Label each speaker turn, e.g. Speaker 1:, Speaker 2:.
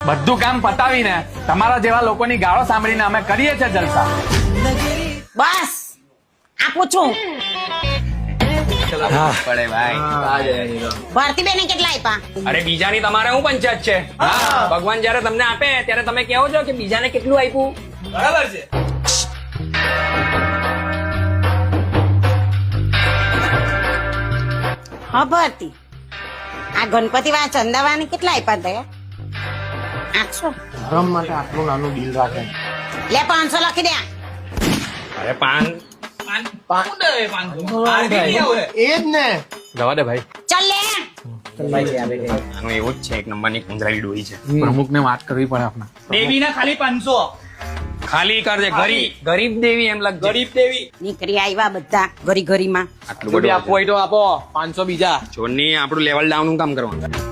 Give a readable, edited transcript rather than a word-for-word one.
Speaker 1: બધું કામ પતાવીને તમારા જેવા લોકોની ગાળો સાંભળીને અમે કરીએ છીએ જલસા.
Speaker 2: બસ આપું છું.
Speaker 1: પડે ભાઈ.
Speaker 2: ભારતીબેને કેટલા આપ્યા?
Speaker 3: અરે બીજાની તમારે શું પંચાયત છે? ભગવાન જયારે તમને આપે ત્યારે તમે કહો છો કે બીજાને કેટલું આપ્યું.
Speaker 4: બરાબર છે.
Speaker 2: હા ભારતી, આ ગણપતિ વાળા ચંદાવાની કેટલા આપ્યા દયા? 800.
Speaker 5: ધર્મ માટે આટલું નાનું બિલ રાખે.
Speaker 2: લે 500 લખી દે.
Speaker 3: અરે પાન
Speaker 5: એ જ ને.
Speaker 1: જવા દે ભાઈ.
Speaker 2: ચાલ લે.
Speaker 3: આનું એવું જ છે, એક નંબરની કંજરાઈ ડોહી છે.
Speaker 1: પ્રમુખને વાત કરવી પડે આપણે.
Speaker 4: દેવીના ખાલી 500.
Speaker 3: ખાલી કરજે. ગરીબ દેવી એમ લાગે.
Speaker 4: ગરીબ દેવી.
Speaker 2: નીકળી આવ્યા બધા ઘરી ઘરીમાં.
Speaker 3: આટલું બધું
Speaker 5: આપવું હોય તો આપો 500 બીજા.
Speaker 3: જોની આપણું લેવલ ડાઉન નું કામ કરવાનું.